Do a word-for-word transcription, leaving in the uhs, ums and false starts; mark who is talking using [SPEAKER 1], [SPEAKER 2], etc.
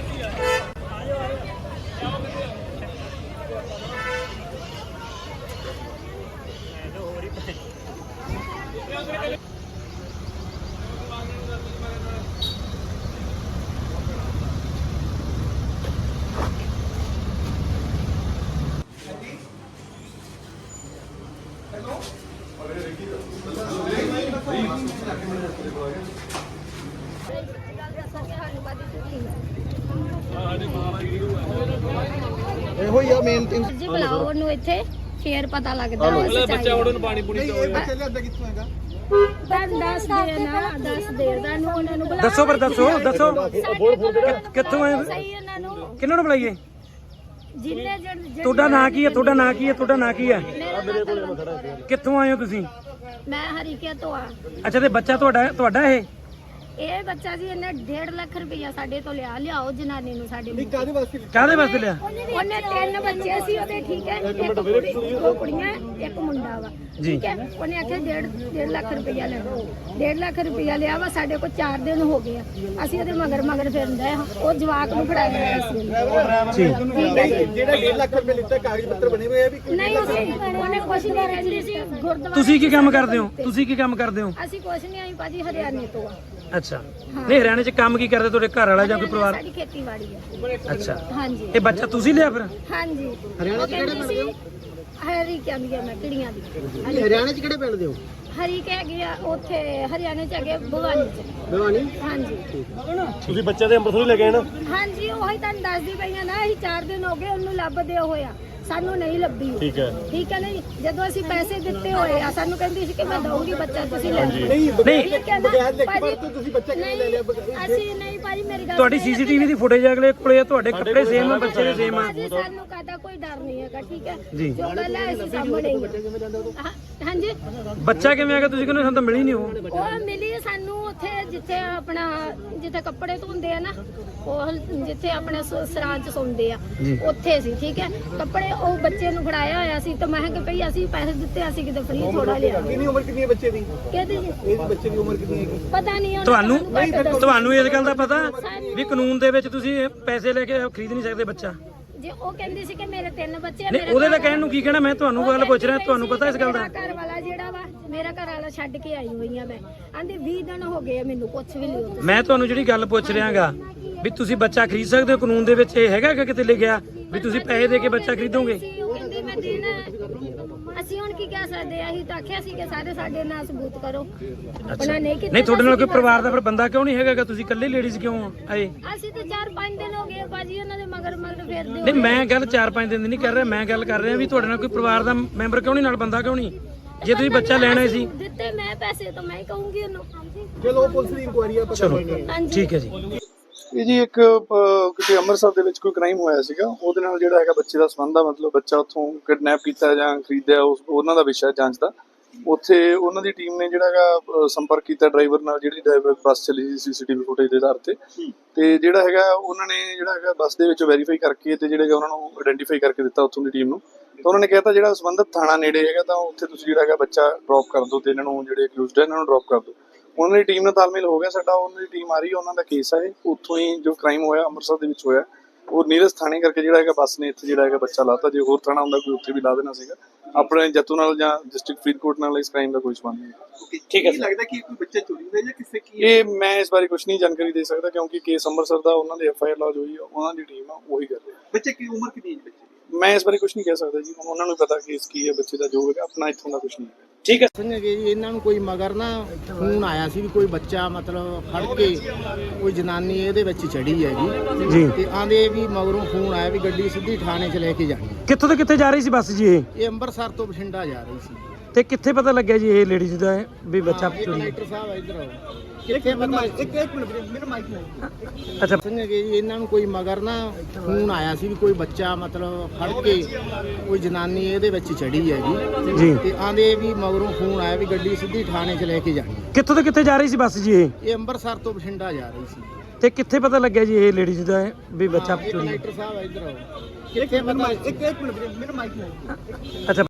[SPEAKER 1] ਇਹੋ ਹੀ ਆ main thing
[SPEAKER 2] ਜੀ ਬੁਲਾਓ ਉਹਨੂੰ ਇੱਥੇ ਫੇਰ ਪਤਾ ਲੱਗਦਾ
[SPEAKER 3] ਹੈ ਬੱਚਾ ਉਹਨੂੰ ਪਾਣੀ ਪੂਣੀ
[SPEAKER 1] ਇਹ ਬੱਚੇ ਲਿਆਂਦਾ ਕਿੱਥੋਂ ਹੈਗਾ
[SPEAKER 2] ਤਾਂ ਦੱਸ ਦੇ ਨਾ ਦੱਸ ਦੇ ਨੂੰ ਉਹਨਾਂ ਨੂੰ ਬੁਲਾ
[SPEAKER 4] ਦੱਸੋ ਪਰ ਦੱਸੋ ਦੱਸੋ ਕਿੱਥੋਂ ਆਏ
[SPEAKER 2] ਸਹੀ ਉਹਨਾਂ ਨੂੰ
[SPEAKER 4] ਕਿਹਨਾਂ ਨੂੰ ਬੁਲਾਈਏ
[SPEAKER 2] ਜਿੰਨੇ ਜਿਹੜੇ
[SPEAKER 4] ਤੁਹਾਡਾ ਨਾਂ ਕੀ ਹੈ ਤੁਹਾਡਾ ਨਾਂ ਕੀ ਹੈ ਤੁਹਾਡਾ ਨਾਂ ਕੀ ਹੈ ਕਿੱਥੋਂ ਆਏ ਹੋ ਤੁਸੀਂ
[SPEAKER 2] ਮੈਂ ਹਰੀਕੇ ਤੋਂ ਆ
[SPEAKER 4] ਅੱਛਾ ਤੇ ਬੱਚਾ ਤੁਹਾਡਾ ਤੁਹਾਡਾ ਇਹ
[SPEAKER 2] ਇਹ ਬੱਚਾ ਜੀ ਇਹਨੇ ਡੇਢ ਲੱਖ ਰੁਪਇਆ ਸਾਡੇ ਤੋਂ ਲਿਆ ਲਿਆਓ ਜਨਾਨੀ ਨੂੰ ਸਾਡੇ ਨੂੰ।
[SPEAKER 1] ਕਾਹਦੇ ਵਾਸਤੇ
[SPEAKER 4] ਕਾਹਦੇ ਵਾਸਤੇ ਲਿਆ
[SPEAKER 2] ਉਹਨੇ ਤਿੰਨ ਬੱਚੇ ਸੀ ਉਹਦੇ ਠੀਕ ਹੈ ਇੱਕ ਕੁੜੀ ਦੋ ਕੁੜੀਆਂ ਇੱਕ ਮੁੰਡਾ ਵਾ ਠੀਕ ਹੈ ਉਹਨੇ ਆਖਿਆ ਡੇਢ ਡੇਢ ਲੱਖ ਰੁਪਇਆ ਲੈਣਾ ਡੇਢ ਲੱਖ ਰੁਪਇਆ ਲਿਆ ਵਾ ਸਾਡੇ ਕੋਲ ਚਾਰ ਦਿਨ ਹੋ ਗਏ ਆ ਅਸੀਂ ਉਹਦੇ ਮਗਰ ਮਗਰ ਫਿਰਦੇ ਆ ਉਹ ਜਵਾਕ ਨੂੰ ਫੜਾਇਆ ਸੀ
[SPEAKER 1] ਜਿਹੜਾ ਡੇਢ ਲੱਖ ਰੁਪਏ ਲਿੱਤਾ ਕਾਗਜ਼ ਪੱਤਰ ਬਣੇ ਹੋਏ ਆ ਵੀ
[SPEAKER 2] ਨਹੀਂ ਅਸੀਂ ਉਹਨੇ ਕੁਛ ਨਹੀਂ ਰਹਿੰਦੀ ਸੀ ਗੁਰਦੁਆਰਾ
[SPEAKER 4] ਤੁਸੀਂ ਕੀ ਕੰਮ ਕਰਦੇ ਹੋ ਤੁਸੀਂ ਕੀ ਕੰਮ ਕਰਦੇ ਹੋ
[SPEAKER 2] ਅਸੀਂ ਕੁਛ ਨਹੀਂ ਆਈ ਭਾਜੀ ਹਰਿਆਣੇ ਤੋਂ ਆ
[SPEAKER 4] ਅੱਛਾ ਨਹੀਂ ਹਰਿਆਣੇ ਚ ਕੰਮ ਕੀ ਕਰਦੇ ਤੁਹਾਡੇ ਘਰ ਵਾਲਾ ਜਾਂ ਕੋਈ ਪਰਿਵਾਰ
[SPEAKER 2] ਸਾਡੀ ਖੇਤੀਬਾੜੀ ਹੈ
[SPEAKER 4] ਅੱਛਾ
[SPEAKER 2] ਹਾਂਜੀ
[SPEAKER 4] ਇਹ ਬੱਚਾ ਤੁਸੀਂ ਲਿਆ ਫਿਰ
[SPEAKER 2] ਹਾਂਜੀ
[SPEAKER 1] ਹਰਿਆਣਾ ਚ ਕਿਹੜੇ ਪਿੰਡ ਦੇ ਹੋ
[SPEAKER 2] ਹਰੀ ਕਹਿੰਦੀ ਆ ਮੈਂ ਕਿੜੀਆਂ ਦੀ
[SPEAKER 1] ਹਰਿਆਣੇ ਚ ਕਿਹੜੇ ਪਿੰਡ ਦੇ ਹੋ
[SPEAKER 2] ਹਰੀ ਕਹਿ ਗਿਆ ਉੱਥੇ ਹਰਿਆਣੇ ਚ ਹੈਗੇ ਭਵਾਨੀ ਚ
[SPEAKER 1] ਭਵਾਨੀ
[SPEAKER 2] ਹਾਂਜੀ
[SPEAKER 4] ਤੁਸੀਂ ਬੱਚੇ ਦੇ ਅੰਮ੍ਰਿਤਸਰ ਲੈ ਗਏ ਨਾ
[SPEAKER 2] ਹਾਂਜੀ ਉਹੀ ਤੁਹਾਨੂੰ ਦੱਸਦੀ ਪਈਆਂ ਨਾ ਅਸੀਂ ਚਾਰ ਦਿਨ ਹੋ ਗਏ ਉਹਨੂੰ ਲੱਭਦੇ ਹੋਇਆ ਸਾਨੂੰ ਨਹੀਂ ਲੱਭੀ ਠੀਕ ਹੈ ਠੀਕ ਹੈ ਨਹੀਂ ਜਦੋਂ ਅਸੀਂ ਪੈਸੇ ਦਿੱਤੇ ਹੋਏ ਆ ਸਾਨੂੰ ਕਹਿੰਦੀ ਸੀ ਕਿ ਮੈਂ ਦਊਂਗੀ ਬੱਚਾ ਤੁਸੀਂ ਲੈ ਲਓ
[SPEAKER 1] ਨਹੀਂ
[SPEAKER 2] ਠੀਕ ਹੈ ਨਾ
[SPEAKER 1] ਬਗੈਰ ਲਿਖ
[SPEAKER 2] ਭਾਜੀ,
[SPEAKER 1] ਪਰ ਤੁਸੀਂ ਬੱਚਾ ਕਿਵੇਂ ਲੈ ਲਿਆ
[SPEAKER 2] ਅਸੀਂ ਨਹੀਂ ਭਾਜੀ ਮੇਰੀ ਗੱਲ
[SPEAKER 4] ਤੁਹਾਡੀ ਸੀਸੀਟੀਵੀ ਦੀ ਫੁਟੇਜ ਅਗਲੇ ਕੋਲੇ ਆ, ਤੁਹਾਡੇ ਕੱਪੜੇ ਸੇਮ ਆ ਬੱਚੇ ਦੇ ਸੇਮ ਆ
[SPEAKER 2] ਭਾਜੀ ਸਾਨੂੰ ਕਾਹਦਾ ਕੋਈ ਡਰ ਨਹੀਂ ਹੈਗਾ ਠੀਕ ਹੈ
[SPEAKER 4] ਜੀ।
[SPEAKER 2] ਜੋ ਗੱਲ ਹੈ ਅਸੀਂ ਸਾਹਮਣੇ ਹੀ ਆ। ਹਾਂ- ਹਾਂਜੀ
[SPEAKER 4] ਬੱਚਾ ਕਿਵੇਂ ਆ ਗਿਆ ਤੁਸੀਂ ਕਹਿੰਦੇ ਸਾਨੂੰ ਤਾਂ ਮਿਲੀ ਨਹੀਂ ਉਹ
[SPEAKER 2] ਉਹ ਮਿਲੀ ਸਾਨੂੰ ਉੱਥੇ ਜਿੱਥੇ ਆਪਣਾ ਜਿੱਥੇ ਕੱਪੜੇ ਧੋਂਦੇ ਆ ਨਾ ਉਹ ਜਿੱਥੇ ਆਪਣੇ ਸ- ਸਰਾਂ ਚ ਸੌਂਦੇ ਆ ਉੱਥੇ ਸੀ ਠੀਕ ਹੈ ਕੱਪੜੇ ਉਹ ਬੱਚੇ ਨੂੰ ਫੜਾਇਆ ਹੋਇਆ ਸੀ ਤਾਂ ਮੈਂ ਕਿਹਾ ਕਿ ਭਈ ਅਸੀਂ ਪੈਸੇ ਦਿੱਤੇ ਅਸੀਂ ਕਿਤੇ ਫ੍ਰੀ ਥੋੜਾ ਲਿਆ
[SPEAKER 1] ਕਿੰਨੀ ਉਮਰ ਕਿੰਨੀ ਹੈ ਬੱਚੇ ਦੀ
[SPEAKER 2] ਕਹਿੰਦੇ ਜੀ
[SPEAKER 1] ਇਸ ਬੱਚੇ ਦੀ ਉਮਰ ਕਿੰਨੀ ਹੈਗੀ
[SPEAKER 2] ਪਤਾ ਨਹੀਂ ਉਹਨੂੰ
[SPEAKER 4] ਤੁਹਾਨੂੰ
[SPEAKER 2] ਸਾਨੂੰ ਘੱਟ ਦੱਸਿਆ।
[SPEAKER 4] ਤੁਹਾਨੂੰ ਇਸ ਗੱਲ ਦਾ ਪਤਾ ਵੀ ਕਾਨੂੰਨ ਦੇ ਵਿੱਚ ਤੁਸੀਂ ਪੈਸੇ ਲੈ ਕੇ ਖਰੀਦ ਨਹੀਂ ਸਕਦੇ ਬੱਚਾ
[SPEAKER 2] ਜੇ ਉਹ ਕਹਿੰਦੀ ਸੀ ਕਿ ਮੇਰੇ ਤਿੰਨ ਬੱਚੇ ਆ,
[SPEAKER 4] ਨਹੀਂ
[SPEAKER 2] ਮੇਰੇ
[SPEAKER 4] ਉਹਦੇ ਦਾ
[SPEAKER 2] ਘਰ
[SPEAKER 4] ਕਹਿਣ ਨੂੰ ਕੀ ਕਹਿਣਾ ਮੈਂ ਤੁਹਾਨੂੰ ਗੱਲ ਪੁੱਛ ਰਿਹਾ ਤੁਹਾਨੂੰ ਪਤਾ ਇਸ ਗੱਲ ਦਾ
[SPEAKER 2] ਮੇਰਾ ਘਰ ਵਾਲਾ ਜਿਹੜਾ ਵਾ ਮੇਰਾ ਘਰ ਵਾਲਾ ਛੱਡ ਕੇ ਆਈ ਹੋਈ ਆ ਮੈਂ ਆਂਦੀ ਵੀਹ ਦਿਨ ਹੋ ਗਏ ਆ ਮੈਨੂੰ ਕੁਛ ਵੀ ਨਹੀਂ
[SPEAKER 4] ਮੈਂ ਤੁਹਾਨੂੰ ਜਿਹੜੀ ਗੱਲ ਪੁੱਛ ਰਿਹਾਗਾ ਵੀ ਤੁਸੀਂ ਬੱਚਾ ਖਰੀਦ ਸਕਦੇ ਹੋ ਕਾਨੂੰਨ ਦੇ ਵਿੱਚ ਇਹ ਹੈਗਾ ਕਿ ਕਿਤੇ ਲਿਖਿਆ ਵੀ ਤੁਸੀਂ ਪੈਸੇ ਦੇ ਕੇ ਬੱਚਾ ਖਰੀਦੋਗੇ
[SPEAKER 2] ਉਹ ਕਹਿੰਦੀ ਮੈਂ ਦੇਣਾ ਹੈ। ਅਸੀਂ ਹੁਣ ਕੀ ਕਹਿ ਸਕਦੇ ਆ ਅਸੀਂ ਤਾਂ ਆਖਿਆ ਸੀ ਕਿ ਸਾਰੇ ਸਾਡੇ ਨਾਲ ਸਬੂਤ ਕਰੋ ਉਹਨਾਂ ਨੇ ਕੀਤਾ
[SPEAKER 4] ਨਹੀਂ ਤੁਹਾਡੇ ਨਾਲ ਕੋਈ ਪਰਿਵਾਰ ਦਾ ਫਿਰ ਬੰਦਾ ਕਿਉਂ ਨਹੀਂ ਹੈਗਾ ਤੁਸੀਂ ਇਕੱਲੇ ਲੇਡੀਜ਼ ਕਿਉਂ ਆਏ
[SPEAKER 2] ਅਸੀਂ ਤਾਂ ਚਾਰ ਪੰਜ ਦਿਨ ਹੋ ਗਏ ਬਾਜੀ ਉਹਨਾਂ ਦੇ ਮਗਰ ਮਗਰ ਫੇਰਦੇ
[SPEAKER 4] ਨਹੀਂ ਮੈਂ ਗੱਲ ਚਾਰ ਪੰਜ ਦਿਨ ਦੀ ਨਹੀਂ ਕਰ ਰਿਹਾ ਮੈਂ ਗੱਲ ਕਰ ਰਿਹਾ ਵੀ ਤੁਹਾਡੇ ਨਾਲ ਕੋਈ ਪਰਿਵਾਰ ਦਾ ਮੈਂਬਰ ਕਿਉਂ ਨਹੀਂ ਨਾਲ ਬੰਦਾ ਕਿਉਂ ਨਹੀਂ ਜੇ ਤੁਸੀਂ ਬੱਚਾ ਲੈਣਾ ਸੀ
[SPEAKER 2] ਦਿੱਤੇ ਮੈਂ ਪੈਸੇ ਤਾਂ ਮੈਂ ਹੀ ਕਹੂੰਗੀ ਉਹਨੂੰ
[SPEAKER 1] ਚਲੋ ਪੁਲਿਸ ਦੀ ਇਨਕੁਆਇਰੀ ਆ ਪਤਾ ਲੱਗੇਗਾ
[SPEAKER 2] ਹਾਂਜੀ
[SPEAKER 4] ਠੀਕ ਹੈ ਜੀ
[SPEAKER 5] ਇਹ ਜੀ ਇੱਕ ਅਹ, ਕਿਤੇ ਅੰਮ੍ਰਿਤਸਰ ਦੇ ਵਿੱਚ ਕੋਈ ਕ੍ਰਾਈਮ ਹੋਇਆ ਸੀਗਾ ਉਹਦੇ ਨਾਲ ਜਿਹੜਾ ਹੈਗਾ ਬੱਚੇ ਦਾ ਸੰਬੰਧ ਆ ਮਤਲਬ ਬੱਚਾ ਉੱਥੋਂ ਕਿਡਨੈਪ ਕੀਤਾ ਜਾਂ ਖਰੀਦਿਆ ਉਸ ਉਹਨਾਂ ਦਾ ਵਿਸ਼ਾ ਜਾਂਚ ਦਾ ਉੱਥੇ ਉਹਨਾਂ ਦੀ ਟੀਮ ਨੇ ਜਿਹੜਾ ਹੈਗਾ ਅਹ, ਸੰਪਰਕ ਕੀਤਾ ਡਰਾਈਵਰ ਨਾਲ ਜਿਹੜੀ ਡਰਾਈਵਰ ਬੱਸ ਚੱਲੀ ਸੀ ਸੀਸੀਟੀਵੀ ਫੁਟੇਜ ਦੇ ਆਧਾਰ ਤੇ ਤੇ ਜਿਹੜਾ ਹੈਗਾ ਉਹਨਾਂ ਨੇ ਜਿਹੜਾ ਹੈਗਾ ਬੱਸ ਦੇ ਵਿੱਚ ਵੈਰੀਫਾਈ ਕਰਕੇ ਤੇ ਜਿਹੜਾ ਹੈਗਾ ਉਹਨਾਂ ਨੂੰ ਆਇਡੈਂਟੀਫਾਈ ਕਰਕੇ ਦਿੱਤਾ ਉੱਥੋਂ ਦੀ ਟੀਮ ਨੂੰ ਤਾਂ ਉਹਨਾਂ ਨੇ ਕਹਿਤਾ ਜਿਹੜਾ ਸੰਬੰਧਿਤ ਥਾਣਾ ਨੇੜੇ ਹੈਗਾ ਤਾਂ ਉੱਥੇ ਤੁਸੀਂ ਜਿਹੜਾ ਹੈਗਾ ਬੱਚਾ ਡ੍ਰੌਪ ਕਰ ਦਿਓ ਤੇ ਇਹਨਾਂ ਨੂੰ ਜਿਹੜੇ ਅਕਿਊਜ਼ਡ ਹੈ ਇਹਨਾਂ ਨੂੰ ਡ੍ਰੌਪ ਕਰ ਦਿਓ ਉਹਨਾਂ ਦੀ ਟੀਮ ਨਾਲ ਤਾਲਮੇਲ ਹੋ ਗਿਆ ਸਾਡਾ ਉਹਨਾਂ ਦੀ ਟੀਮ ਆ ਰਹੀ ਹੈ ਉਹਨਾਂ ਦਾ ਕੇਸ ਹੈ ਉੱਥੋਂ ਹੀ ਜੋ ਕ੍ਰਾਈਮ ਹੋਇਆ ਅੰਮ੍ਰਿਤਸਰ ਦੇ ਵਿੱਚ ਹੋਇਆ ਉਹ ਨੀਰਜ ਥਾਣੇ ਕਰਕੇ ਜਿਹੜਾ ਹੈਗਾ ਬੱਸ ਨੇ ਇੱਥੇ ਜਿਹੜਾ ਹੈਗਾ ਬੱਚਾ ਲਾਤਾ ਜੇ ਹੋਰ ਥਾਣਾ ਹੁੰਦਾ ਕੋਈ ਉੱਥੇ ਵੀ ਲਾ ਦੇਣਾ ਸੀਗਾ ਆਪਣੇ ਜੱਤੂ ਨਾਲ ਜਾਂ ਡਿਸਟ੍ਰਿਕਟ ਫਰੀਦਕੋਟ ਨਾਲ ਇਸ ਕ੍ਰਾਈਮ ਦਾ ਕੋਈ ਸੰਬੰਧ ਨਹੀਂ
[SPEAKER 1] ਠੀਕ ਹੈ ਲੱਗਦਾ ਕਿ ਕੋਈ ਬੱਚਾ ਚੋਰੀ ਹੋਇਆ ਜਾਂ ਕਿਸੇ ਕੀ
[SPEAKER 5] ਇਹ ਮੈਂ ਇਸ ਬਾਰੇ ਕੁਝ ਨਹੀਂ ਜਾਣਕਾਰੀ ਦੇ ਸਕਦਾ ਕਿਉਂਕਿ ਕੇਸ ਅੰਮ੍ਰਿਤਸਰ ਦਾ ਉਹਨਾਂ ਦੇ ਐਫ ਆਈ ਆਰ ਲੌਜ ਹੋਈ ਹੈ ਉਹਨਾਂ ਦੀ ਟੀਮ ਆ ਉਹੀ ਕਰ ਰਹੀ ਹੈ
[SPEAKER 1] ਬੱਚੇ ਕੀ ਉਮਰ ਕਿੰਨੀ ਹੈ ਬੱਚੇ ਦੀ
[SPEAKER 5] ਮੈਂ ਇਸ ਬਾਰੇ ਕੁਝ ਨਹੀਂ ਕਹਿ ਸਕਦਾ ਜੀ ਹੁਣ ਉਹਨਾਂ ਨੂੰ ਪਤਾ ਕੇਸ ਕੀ ਹੈ ਬੱਚੇ ਦਾ ਜੋ ਹੈਗਾ ਆਪਣਾ ਇੱਥੋਂ ਦਾ ਕੁਝ ਨਹੀਂ ਹੈ
[SPEAKER 4] ਠੀਕ ਹੈ
[SPEAKER 6] ਸਿੰਘ ਜੀ ਇਹਨਾਂ ਨੂੰ ਕੋਈ ਮਗਰ ਨਾ ਫੋਨ ਆਇਆ ਸੀ ਵੀ ਕੋਈ ਬੱਚਾ ਮਤਲਬ ਫੜ ਕੇ ਕੋਈ ਜਨਾਨੀ ਇਹਦੇ ਵਿੱਚ ਚੜੀ ਹੈਗੀ
[SPEAKER 4] ਜੀ
[SPEAKER 6] ਤੇ ਆਂਦੇ ਵੀ ਮਗਰੋਂ ਫੋਨ ਆਇਆ ਵੀ ਗੱਡੀ ਸਿੱਧੀ ਥਾਣੇ 'ਚ ਲੈ ਕੇ ਜਾਣੀ
[SPEAKER 4] ਕਿੱਥੋਂ ਤੋਂ ਕਿੱਥੇ ਜਾ ਰਹੀ ਸੀ ਬੱਸ ਜੀ ਇਹ
[SPEAKER 6] ਇਹ ਅੰਮ੍ਰਿਤਸਰ ਤੋਂ ਬਠਿੰਡਾ ਜਾ ਰਹੀ ਸੀ
[SPEAKER 4] ਤੇ ਕਿੱਥੇ ਪਤਾ ਲੱਗਿਆ ਜੀ ਇਹ ਲੇਡੀਜ਼ ਦਾ ਹੈ ਵੀ ਬੱਚਾ ਚੋਰੀ
[SPEAKER 6] ਕਲੈਕਟਰ ਸਾਹਿਬ ਇੱਧਰ ਆਓ ਕਿੱਥੇ ਪਤਾ
[SPEAKER 1] ਇੱਕ ਇੱਕ ਮਿੰਟ ਵੀਰੇ, ਮੇਰਾ ਮਾਈਕ ਨਹੀਂ
[SPEAKER 4] ਅੱਛਾ
[SPEAKER 6] ਸਿੰਘ ਜੀ ਇਹਨਾਂ ਨੂੰ ਕੋਈ ਮਗਰ ਨਾ ਫੋਨ ਆਇਆ ਸੀ ਵੀ ਕੋਈ ਬੱਚਾ ਮਤਲਬ ਫੜ ਕੇ ਕੋਈ ਜਨਾਨੀ ਇਹਦੇ ਵਿੱਚ ਚੜੀ ਹੈਗੀ
[SPEAKER 4] ਜੀ
[SPEAKER 6] ਤੇ ਆਂਦੇ ਵੀ ਮਗਰੋਂ ਫੋਨ ਆਇਆ ਵੀ ਗੱਡੀ ਸਿੱਧੀ ਥਾਣੇ 'ਚ ਲੈ ਕੇ ਜਾਣੀ
[SPEAKER 4] ਕਿੱਥੋਂ ਤੋਂ ਕਿੱਥੇ ਜਾ ਰਹੀ ਸੀ ਬੱਸ ਜੀ ਇਹ
[SPEAKER 6] ਇਹ ਅੰਮ੍ਰਿਤਸਰ ਤੋਂ ਬਠਿੰਡਾ ਜਾ ਰਹੀ ਸੀ
[SPEAKER 4] ਤੇ ਕਿੱਥੇ ਪਤਾ ਲੱਗਿਆ ਜੀ ਇਹ ਲੇਡੀਜ਼ ਦਾ ਹੈ ਵੀ ਬੱਚਾ ਚੋਰੀ
[SPEAKER 6] ਕਲੈਕਟਰ ਸਾਹਿਬ ਇੱਧਰ ਆਓ
[SPEAKER 1] ਇੱਕ ਇੱਕ ਮਿੰਟ ਇੱਕ ਇੱਕ ਮਿੰਟ ਵੀਰੇ, ਮੇਰਾ ਮਾਈਕ ਨਹੀਂ
[SPEAKER 4] ਅੱਛਾ